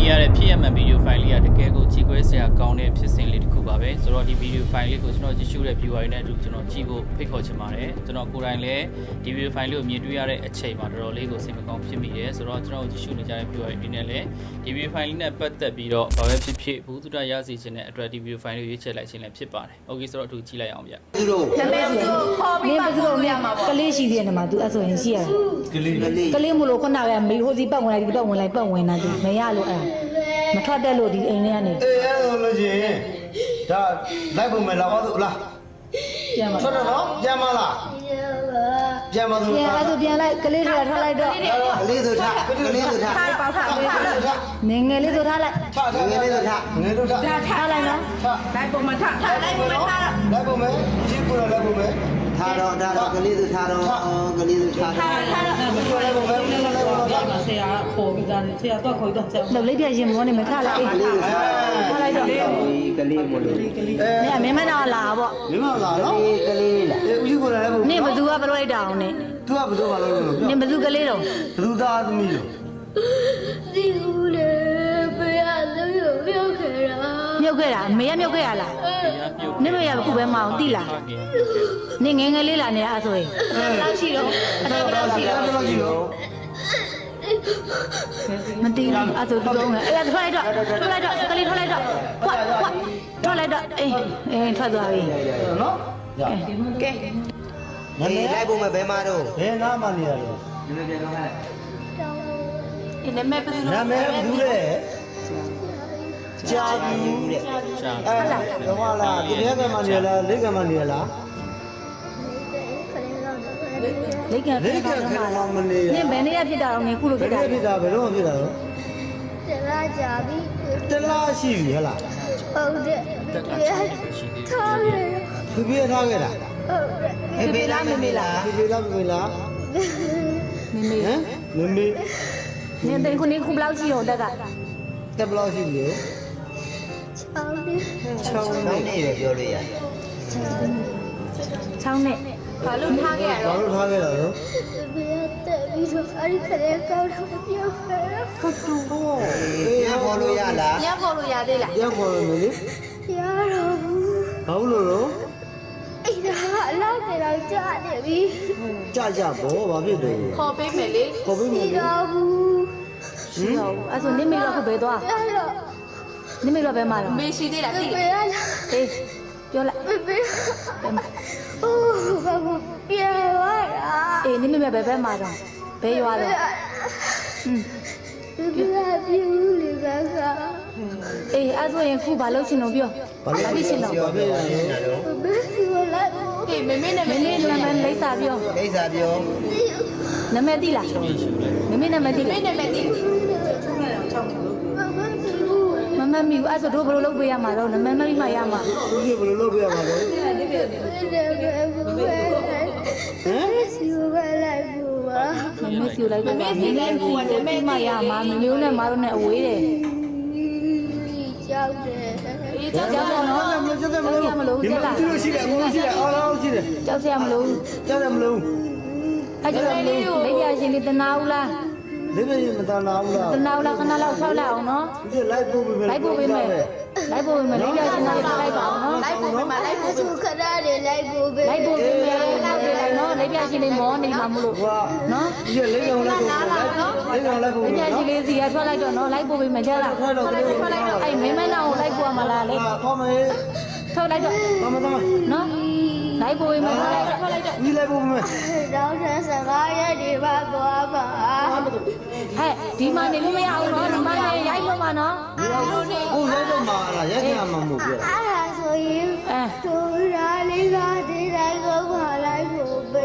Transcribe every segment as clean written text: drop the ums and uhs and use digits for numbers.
ရတဲ့ဖြစ်ရမှန်ဗီဒီယိုဖိုင်လေးကတကယ်ကိုကြည့်ခွဲစရာကောင်းတဲ့ဖြစ်စဉ်လေးတစ်ခုပါပဲဆိုတော့ဒီဗီဒီယိုဖိုင်လေးကိုကျွန်တော်ကြည့်ရှုတဲ့ viewer တွေနဲ့အတူကျွန်တော်ကြည့်ဖို့ဖိတ်ခေါ်ချင်ပါတယ်ကျွန်တော်ကိုယ်တိုင်လည်းဒီဗီဒီယိုဖိုင်လေးကိုမြင်တွေ့ရတဲ့အချိန်မှာတော်တော်လေးကိုစိတ်မကောင်းဖြစ်မိတယ်ဆိုတော့ကျွန်တော်ကြည့်ရှုနေကြတဲ့ viewer တွေနဲ့လည်းဒီဗီဒီယိုဖိုင်လေးနဲ့ပတ်သက်ပြီးတော့ဘာပဲဖြစ်ဖြစ်ဘူးတူတရစီခြင်းနဲ့အတွက်ဒီဗီဒီယိုဖိုင်လေးကိုရွေးချယ်လိုက်ခြင်းလည်းဖြစ်ပါတယ်โอเคဆိုတော့အတူကြည့်လိုက်အောင်ဗျသူတို့နာမည်သူခေါ်ပြီးမှခေါ်ရမှာပေါ့ကလေးရှိသေးတယ်မှာ तू အဲ့ဆိုရင်ရှိရတယ်ကလေးမလို့ခုနကမေဟိုစီပတ်ဝင်လိုက်ဒီပတ်ဝင်လိုက်ပတ်ဝင်တာ तू မရလို့အဲ့မထွက်တက်လို့ဒီအိမ်ထဲကနေအေးအဲ့လိုလို့ရှိရင်ဒါလိုက်ပုံမယ်လာပါတို့လားပြန်ပါထွက်တော့နော်ပြန်မလားပြန်ပါတို့ပြန်အဲ့ဒါပြန်လိုက်ကလေးတွေထားလိုက်တော့ကလေးတို့ထားကလေးတို့ထားပေါက်ထားပေးထားငယ်ငယ်လေးဆိုထားလိုက်ထားငယ်လေးတို့ထားငယ်တို့ထားထားလိုက်နော်လိုက်ပုံမထားလိုက်ပုံမထားလိုက်ပုံမယ်ကြည့်ကိုလိုက်ပုံမယ်ထားတော့ကလေးတို့ထားတော့ကလေးတို့ထားထားလိုက်ပုံမယ်လိုက်ပုံမယ်ဆရာခေါ်ပြီးသားဆရာတော့ခေါ်တော့ဆက်လောက်လေးပြရင်မောနေမထားလိုက်ထားလိုက်တော့ကလေးမလို့နေမင်းမနာလာပေါ့မင်းမလာနော်ကလေးလားဦးကြီးကိုလည်းပုံနေဘသူကဘလို့လိုက်တာအောင်နေသူကဘယ်လိုပါလို့နေဘသူကလေးတော့ဘသူသားသမီးလို့ဒီဦးလေးဘယ်ရလို့ရုပ်ခဲ့တာမြုပ်ခဲ့တာမေရမြုပ်ခဲ့ရလားနေမရဘူးပဲမအောင်တိလားနေငယ်ငယ်လေးလာနေတာအဲ့ဆိုရင်လောက်ရှိတော့အဲ့လောက်ရှိတော့တော့ရှိတော့မတီးဘူးအဲ့ဆိုတုံးငယ်အဲ့ထွက်လိုက်တော့ကလေးထွက်လိုက်တော့ကွာထွက်လိုက်တော့အေးထွက်သွားပြီနော်ကဲကဲလိုက်ဖို့မဘဲမတော့ဘယ်နားမှနေရလဲဒီနာမည်ဘယ်လိုနာမည်ဘူးလေကြာပြီတဲ့ရှာဟောလားဒီဘက်ကမှနေလားလိကမှနေလားလိတ်ကဖြစ်တာတော့မနေနင်ဘယ်နေ့ရဖြစ်တာတော့နင်ခုလိုဖြစ်တာဖြစ်တာဘယ်တော့ဖြစ်တာတော့တလားကြာပြီတလားရှိပြီဟဲ့လားဟုတ်တယ်တက်တာရှိသေးတယ်ထားတယ်သူပြေးထားခဲ့တာဟုတ်တယ်ဖေလားမမေလားပြေးလားပြေးလားမေမေဟမ်မမေနင်တိန်ခုနင်ခုဘလောက်ရှိတော့တက်ကတက်ဘလောက်ရှိပြီချောင်းတယ် 6 ကောင်းနေရပြောလို့ရ 6နဲ့ဘာလို့ထားခဲ့ရဘာတော့လို့ထားခဲ့တာတော့ဘယ်တက်ပြီးတော့အဲ့ဒီခရဲကောင်းတော့ပြောခဲ့တာဟုတ်တူတော့အေးခေါ်လို့ရလားညဖော်လို့ရသေးလားရောက်ခေါ်မယ်လေရတော့ဘူးဘာလို့လို့အဲ့ဒါအလောက်နေတော့ကြာနေပြီကြဘောဘာဖြစ်တယ်ခေါ်ပေးမယ်လေခေါ်ပြီးမယ်ပြီးတော့ဘူးရှိတော့အဲ့ဆိုနင်မေတော့ခုဘယ်သွားရတော့နင်မေတော့ဘယ်မှာတော့မေရှိသေးလားသိဘယ်ရလားအေးပြောလိုက်ဘယ်အိုးဘာမပြေဝါရာအေးနင်မေဘယ်မှာတော့ဘယ်ရွာတော့ဘယ်ပြူလေကစားအေးအဲ့ဆိုရင်ခုဘာလုပ်ချင်တော့ပြောဘာဖြစ်ချင်တော့ဘာဖြစ်လဲဘယ်ပြူလိုက်ဘူးဟေးမေမေနာမမည်င်းလေးနာမည်လိမ့်စာပြောကိစ္စပြောနာမည်သိလားမမေနာမည်သိမေလားနာမည်သိမမပြူမမမီဘူးအဲ့ဆိုတို့ဘယ်လိုလုပ်ပေးရမှာတော့နာမည်မပြီးမှရမှာသူကြီးဘယ်လိုလုပ်ပြရမှာလဲဘယ်စီဘယ်လိုက်ဘူးပါမမေစီလိုက်တော့မမေလည်းကူကနာမည်မှရမှာမမျိုးနဲ့မတို့နဲ့အဝေးတယ်ကြောက်တယ်အေးကြောက်ကြောက်ကြောက်နော်မလို့မလို့ဒီမှာသူရှိတယ်အကုန်ရှိတယ်အော်အော်ရှိတယ်ကြောက်စရာမလိုကြားတယ်မလို့အဲ့ကြောင့်လေးလက်ပြရှင်လေးတနာဦးလားလေးပြင်းမတနာဘူးလားတနာဦးလားခဏလောက်ဆောက်လိုက်အောင်နော်ဒီလိုက်ပို့ပေးမယ်လိုက်ပို့ပေးမယ်လိုက်ပို့ပေးမယ်လက်ပြရှင်လေးလိုက်ပါအောင်နော်လိုက်ဖို့ပေးမှာလိုက်ဖို့သူခဏလေးလိုက်ဖို့ပဲလိုက်ပို့ပေးမယ်လိုက်ပေးလိုက်နော်လက်ပြရှင်လေးမောနေမှာမလို့ဟာနော်ဒီလေးကောင်လိုက်ပို့လေးကောင်လိုက်ပို့လက်ပြရှင်လေးစီကထွက်လိုက်တော့နော်လိုက်ပို့ပေးမယ်ကြားလားထွက်တော့ကလေးထွက်လိုက်တော့အဲ့မင်းမနာကိုလိုက်ပို့ရမှာလားလေခေါ်မယ်ထုတ်လိုက်တော့မမတော်နော်လိုက်ပို့ပေးမယ်ထွက်လိုက်တော့ဒီလိုက်ပို့မယ်တော့15ရက်ဒီပါသွားပါဟဲ့ဒီမှာနေလို့မရဘူးနော်ဒီမှာနေရိုက်လို့မှာနော်ကိုလိုက်တော့မှာလားရက်ကြမှာမဟုတ်ဘူးအဲ့ဒါဆိုရင်အဲသူရာလေးကဒီတိုင်းကိုပါလိုက်ဖို့ပဲ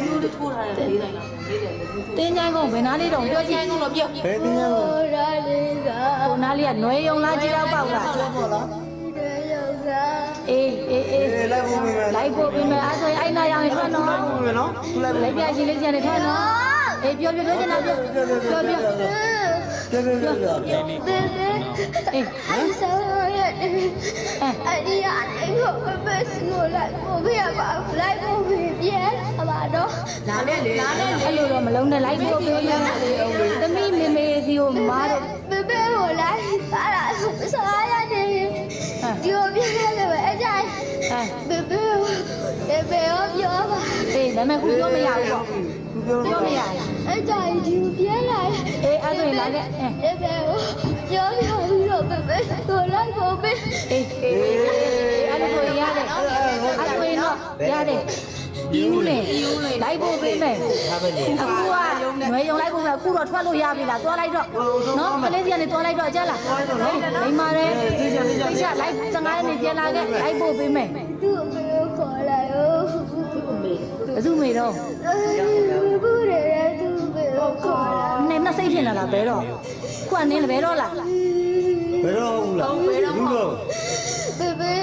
တင်းချိုင်းကုန်ဘယ်နာလေးတော့ပြောကြည့်ကုန်တော့ပြုတ်ဘယ်တင်းရလဲသူရာလေးကဟိုနာလေးကနွယ်ယုံလားကြည့်တော့ပေါက်လားဟုတ်လားဒီရောကအေးလိုက်ပို့ပေးမယ်လိုက်ပို့ပေးမယ်အဲ့ဆိုရင်အဲ့နာရောင်ရင်ထွက်နော်ပို့ပေးမယ်နော်လိုက်လိုက်ပြရှင်လေးကျန်နေထွက်နော်အေးပြောချင်တာပြောပြောပြောပြောပြောဘယ်လဲအဲ့ဆောရအဲ့ဒီအဲ့ကိုဘယ်စကိုလိုက်ကိုပြပါလိုက်ကိုပြဲပါတော့နားနဲ့လေနားနဲ့အဲ့လိုတော့မလုံးနဲ့လိုက်ဖို့ပြောရသမီးမေမေစီကိုမားတော့ဘယ်ကိုလိုက်ပါလားဆောရတဲ့ဒီကိုပြဲတယ်ပဲအဲ့ဒါဘယ်ပြောပါအေးဒါပေမဲ့ခုပြောမရဘူးပေါ့ပြောမရဘူးအဲ့ဒါဒီကိုပြဲလာအေးအဲ့ဆိုရင်လာခဲ့အေးဘယ်ပြောပြီးတော့ဘယ်ကိုလိုက်ကိုပြအေးအဲ့လိုဆိုရင်ရတယ်အဲ့ဆိုရင်တော့ရတယ်ဒီဦးလေလိုက်ဖို့ပေးမယ်ဟာပဲလေအခုကငွေရုံလိုက်ဖို့ပဲအခုတော့ထွက်လို့ရပြီလားသွားလိုက်တော့နော်ကလေးစီကနေသွားလိုက်တော့ကြက်လားလိမ္မာတယ်ဒီချက်လိုက်15ရက်နေပြန်လာခဲ့လိုက်ဖို့ပေးမယ်သူ့အမေကိုခေါ်လာရောဘယ်သူမေတော့ဘူးတယ်သူ့အမေကိုခေါ်လာနင်းနှစ်စိတ်ဖြစ်လာလားဘယ်တော့ခုကနင်းလည်းဘယ်တော့လားဘယ်တော့ဟုတ်လားဘူးတော့ဘယ်ဟိုဘယ်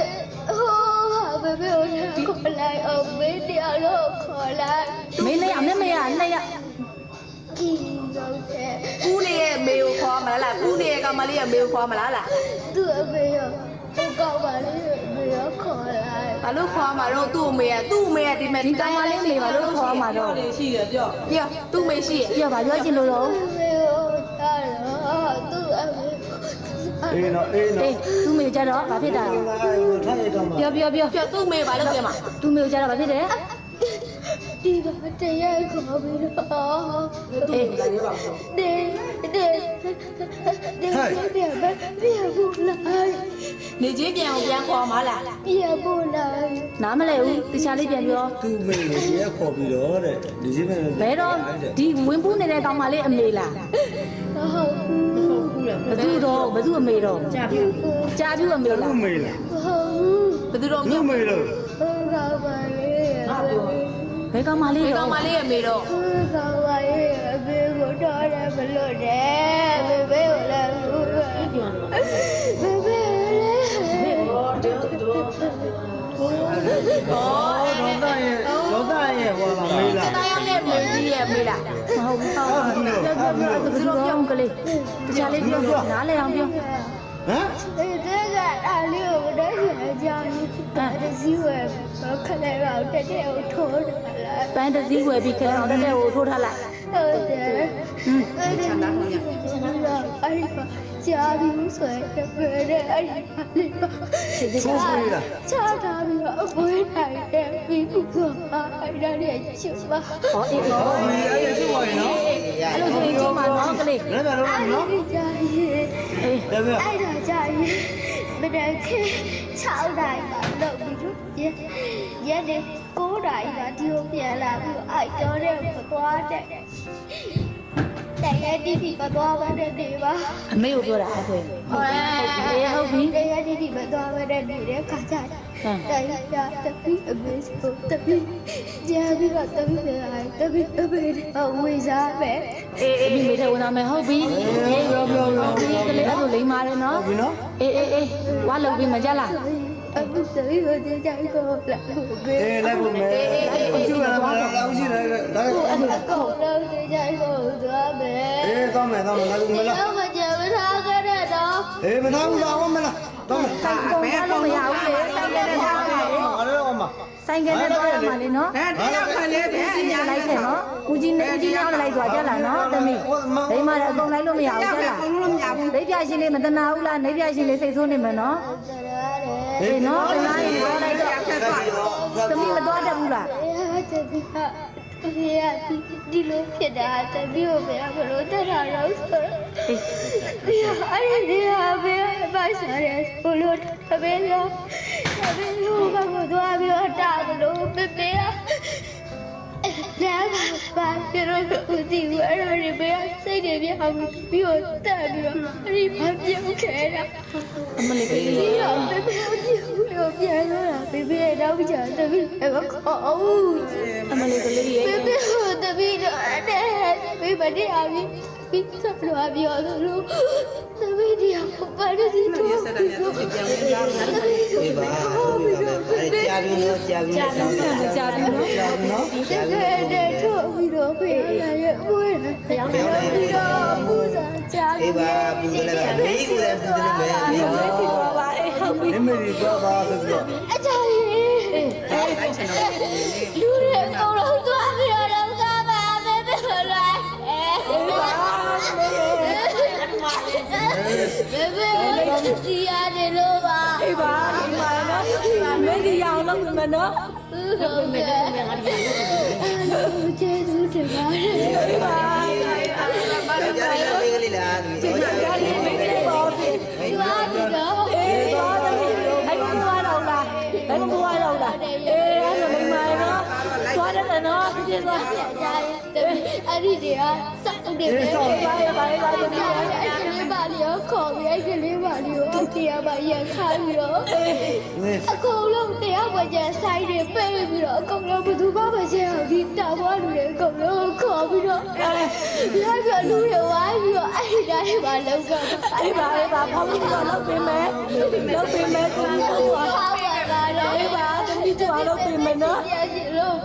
ကိုခေါ်လာအောင်မေးတရားလို့ခေါ်လာမင်းနဲ့အမေမရနဲ့ရကြည့်တော့တဲ့ကူးနေရဲ့မေကိုခေါ်မလားကူးနေရဲ့ကောင်မလေးရဲ့မေကိုခေါ်မလားလားသူ့အမေရောဟိုကောက်ပါလေမေရောခေါ်လာဘာလို့ခေါ်မှာတော့သူ့အမေကဒီမဲ့ဒီကောင်မလေးမေပါလို့ခေါ်မှာတော့ပြောသူ့မေရှိရဲ့ပြောပါပြောချင်လို့တော့မေကိုတာတော့သူ့အမေအေးနော်အေးနော်အေးသူ့မေကြတော့ဘာဖြစ်တာထိုင်ရတော့မှာပြောသူ့မေဘာလုပ်ပြန်မှာသူ့မေကြတော့ဘာဖြစ်တယ်ဒီကတရားခေါ်ပြီးတော့အေးပြဘူးလားနေချင်းပြန်အောင်ပြန်ခေါ်မှာလားပြဘူးလားနားမလဲဘူးတခြားလေးပြန်ပြောသူ့မိကိုရဲခေါ်ပြီးတော့တဲ့ဒီစင်းမဲ့ဘယ်တော့ဒီဝင်ပူးနေတဲ့ကောင်မလေးအမေလားဟုတ်ဘသူတော့ဘသူအမေတော့ကြာပြူအမေလားသူ့မိလားဟုတ်ဘယ်သူတော့သူ့မိလို့ဟုတ်ကပါလေဘယ်ကောင်မလေးဒီတော့ကောင်မလေးရဲ့မေတော့ဟုတ်ကပါလေအဖေကိုတော့တယ်မလို့တယ်ဘေဘေကိုလည်းဘူးဘေဘေလည်းဒေါသရဲ့ဟောလာမေးလားတာယောက်နဲ့မေကြီးရဲ့မေလားမဟုတ်ဘူးပြောဘသူတော့ကလေးတခြားလေးပြောနားလဲအောင်ပြောဟမ်ဒီကအားလေးကိုတော့ရကြပြီတစည်းဝယ်ခလဲတော့တက်တဲ့ကိုထိုးတယ်လားပန်းတစည်းဝယ်ပြီးခဲအောင်တက်တဲ့ကိုထိုးထားလိုက်ဟုတ်တယ်အဲ့ဒီချမ်းသာလို့ရအဲ့ဒီကြာပြီဆိုရင်ပြတဲ့အဲ့ဒီလေးပါသူ့မိလားချာတာပြီးတော့အပွေးနိုင်တယ်ပြီးဘူးကအဲ့ဒါလေးချစ်ပါဟောအေးဟောအဲ့ရရှိပါရဲ့နော်အဲ့လိုဆိုရင်ချိန်မှာနော်ကလေးလည်းလည်းတော့နော်အဲ့ဒီကြာရင်အေးလည်းပဲအဲ့ဒါကြာရင်မနေ့က6တိုင်းပါလို့ပြီးတော့ရက်နေ့9တိုင်းကဒီကိုပြန်လာပြီးအဲ့တော့တဲ့မသွားတဲ့တရားတိတိမသွားဘဲနဲ့နေပါအမေကိုပြောတာအဲ့ဆိုရင်ဟုတ်ပြီတရားတိတိမသွားဘဲနဲ့နေတဲ့ခါကြတယ်တရားတပီအမေဆိုတပီကြာပြီးတော့တပီပဲတပီဝေစားပဲအေးမိထဲဝင်လာမယ်ဟုတ်ပြီပြောကလေးအဲ့လိုလိမ့်ပါတယ်နော်ပြီနော်အေးဝါလုပ်ပြီးမကြလားအခုတပီကိုကြာကိုလာဘေးအေးလိုက်ဖို့မယ်ရှိပါလားလောက်ရှိတယ်ဒါအဲ့ဒါကိုတော့ကြာကိုသွားမယ်အေးကောင်းမယ်လိုက်ဖို့မလားတော့မကြမထားကြတဲ့တော့အေးမထားဘူးလားဟုတ်မလားတော့မယ်ဆိုင်ကုန်တော့မရဘူးလေဆိုင်ကနဲ့ထားတယ်အားလုံးအောင်ပါဆိုင်ကနဲ့တော့ရမှာလေနော်တရားခလေးပဲဦးကြီးလိုက်ခဲ့နော်ဦးကြီးနဲ့လိုက်သွားကြလားနော်သမီးဒိမအကုန်လိုက်လို့မရဘူးကြလားဒိပြရှင်လေးမတနာဘူးလားနေပြရှင်လေးစိတ်ဆိုးနေမယ်နော်အေးနော်တနာရင်တော့လိုက်တော့သမီးမသွားတတ်ဘူးလားဒီလိုဖြစ်တာတပည့်ကိုဘယ်လိုတက်တာလဲဆိုတော့အဲ့ဒီဟာဘယ်ပါစားရဲဘလို့တပည့်ရောကတော့သွားပြီးတော့တာလို့ပြပြလာပါပြတော့ဦးဒီဝရရဘယ်စိတ်တွေပြအောင်ပြီးတော့တက်ပြီးတော့အဲ့ဒီဘာပြုတ်ခဲတာအမလေးကလေးဒီတော့ပြပြပြန်လာပြပြတော့ကြာတပည့်ကခေါ်ဦးအမလေးကလေးရဲ့ဘယ်တပည့်တော့တဲ့ဘယ်မတရားပြီပြီးစပ်လို့ပြောသလိုတပည့်တရားဘာလို့ဒီလိုအေးပါအေးပါအဲကြာပြီနော်ကြာပြီနော်ကြာပြီနော်နော်တကယ်တည်းထုတ်ပြီးတော့ဖေးရရဲ့အဝေးတရားပြီးတော့ပူဇာကြာပြီပါပူတယ်လည်းမေးကိုလည်းပူတယ်လည်းမေးပါပါအေးဟုတ်ပြီနိမေဒီသွားပါဆိုပြီးတော့အချာကြီးလူတွေအကုန်လုံးသွားပြီးတော့ကပါပဲပဲလားဘယ်ဒီရတယ်လို့ပါအေးပါဒီမှာနော်မင်းဒီရအောင်လုပ်မယ်နော်ဟုတ်ကဲ့ကျေးဇူးတင်ပါတယ်အေးပါကြာရလေးကလေးလားဒီဒီမှာရလေးမင်းလေးပေါ်ပြီဒီပါဒီတော့အေးသွားတယ်အဲ့မမွားတော့လားအဲ့မမွားတော့လားအေးအဲ့လိုမိမနော်သွားတယ်နော်ပြည့်သွားအဲ့ဒီတည်းကစောက်တယ်ပဲပါရပါရပါအဲ့ဒီလေးပါလျောခေါ်ပြီးအဲ့ဒီလေးပါလျောအောက်တရားပါရခိုင်းပြီးတော့အကုန်လုံးတရားဝကြဆိုင်တွေပဲ့ပြီးတော့အကုန်လုံးဘသူမှမရှင်းအောင်ဒီတာဘွားလူတွေအကုန်လုံးခေါ်ပြီးတော့လိုက်ပြီးလူတွေဝိုင်းပြီးတော့အဲ့ဒီတိုင်းပါလောက်တော့အေးပါအေးပါဖောင်းပြီးတော့လုပ်ပေးမယ်လုပ်ပေးမယ်ကိုကြီးကိုဟာပါပါတော့အေးပါတမီးတို့လုပ်ပေးမယ်နော်ပြည့်လို့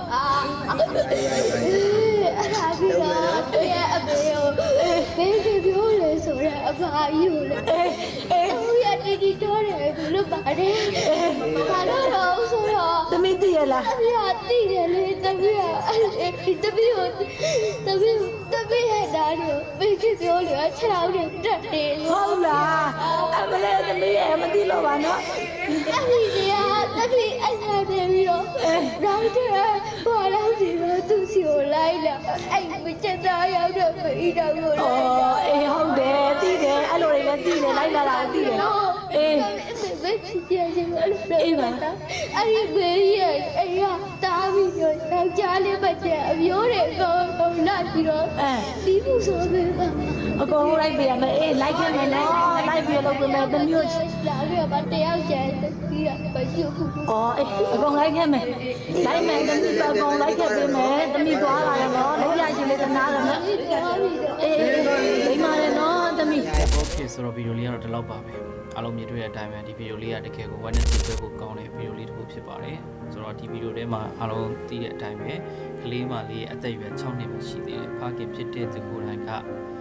အဲ့ဒါပြီးတော့တရားအမေကိုဘယ်လိုပြောလဲဆိုတော့အဖာကြီးကိုလည်းသူရတီတီတော့တယ်လို့ပါတယ်ဘာလို့တော့ဆိုတော့တမီးသိရလားအမေကသိတယ်လေတမီးကတမီးရဲ့ဓာတ်ကိုဘယ်လိုပြောလဲခြေထောက်တွေတက်တယ်ဟုတ်လားအမလေးတမီးရဲ့မသိလို့ပါနော်အဲ့ဒီတရားတမီးအဲ့ဒါနေပြီးတော့တော့တယ်ဘာလို့ဒီလိုသူစီကိုလိုက်လာအဲ့မချက်သားရောက်တော့ပြီးတော့ကိုလိုက်လာအေးဟုတ်တယ်သိတယ်အဲ့လိုတွေလည်းသိတယ်လိုက်လာတာသိတယ်အေးဘယ်ဖြစ်ကြခြင်းလဲအေးပါအဲ့ဒီဘေးရဲ့အဲ့ရတားပြီးတော့ယောက်ျားလေးပတ်တဲ့အမျိုးတွေတော့လာပြီးတော့ဒီမှုဆိုပေးပါအကုန်လိုက်ပြရမယ်အေးလိုက်ခဲ့မယ်နော်လိုက်ပြလုပ်ပေးမယ်တမျိုးလာပြီးတော့တယောက်ကျန်ပြီးတော့ဘာယူခုအော်အေးအကုန်လိုက်ခဲ့မယ်လိုက်မယ်တမီးတော့အကုန်လိုက်ခဲ့ပေးမယ်တမီးသွားလာရနော်လက်ပြရှင်လေးတနာတယ်နော်ပြီးတော့ပြီးတော့အေးလိမ့်ပါတယ်နော်တမီးโอเคဆိုတော့ဗီဒီယိုလေးကတော့ဒီလောက်ပါပဲအားလုံးမြင်တွေ့တဲ့အတိုင်းပဲဒီဗီဒီယိုလေးကတကယ်ကို Wednesday ပွဲကိုကောင်းတဲ့ဗီဒီယိုလေးတစ်ခုဖြစ်ပါတယ်ဆိုတော့ဒီဗီဒီယိုထဲမှာအားလုံးသိတဲ့အတိုင်းပဲကလေးမလေးအသက်အရွယ်6နှစ်ပဲရှိသေးတယ်ဖခင်ဖြစ်တဲ့သူကိုယ်တိုင်က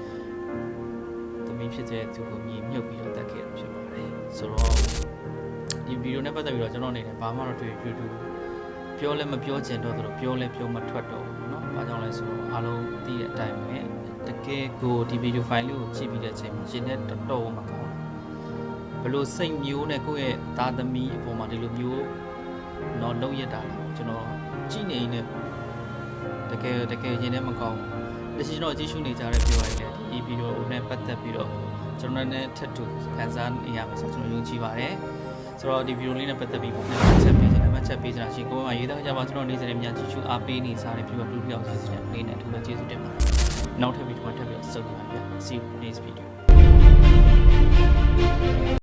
သမီးဖြစ်တဲ့သူကိုမြေမြုပ်ပြီးတော့တတ်ခဲ့တာဖြစ်ပါတယ်ဆိုတော့ဒီဗီဒီယိုနဲ့ပတ်သက်ပြီးတော့ကျွန်တော်အနေနဲ့ဘာမှတော့တွေ့ပြောလည်းမပြောချင်တော့သူပြောလည်းပြောမထွက်တော့ဘူးเนาะဘာကြောင့်လဲဆိုတော့အားလုံးသိတဲ့အတိုင်းပဲတကယ်ကိုဒီဗီဒီယိုဖိုင်လေးကိုကြည့်ပြီးတဲ့အချိန်မှာရှင်နဲ့တော်မကောင်းဘလို့စိတ်မျိုးနဲ့ကိုယ့်ရဲ့သားသမီးအပေါ်မှာဒီလိုမျိုးတော့လုံးရတာလားကျွန်တော်ကြည့်နေနေတကယ်ရင်ထဲမကောင်းတချင်တော့ကြည့်ရှုနေကြတဲ့ပြောရရင်ဒီဗီဒီယိုနဲ့ပတ်သက်ပြီးတော့ကျွန်တော်နဲ့ထပ်တူခန်းစားနေရမှာဆိုကျွန်တော်ယုံကြည်ပါတယ်ဆိုတော့ဒီဗီဒီယိုလေးနဲ့ပတ်သက်ပြီးပုံနဲ့ချက်ပေးချင်တယ်မှတ်ချက်ပေးချင်တာရှိကိုယ်ကရေးသားကြပါကျွန်တော်နေ့စဉ်များကြည့်ရှုအားပေးနေစားတဲ့ပြီးတော့တူတူအောင်ရေးစတဲ့လေးနဲ့ထူးပဲကျေးဇူးတင်ပါတယ်နောက်ထပ်ဗီဒီယိုမှာထပ်ပြီးတော့ဆုံကြပါဗျာ See you next video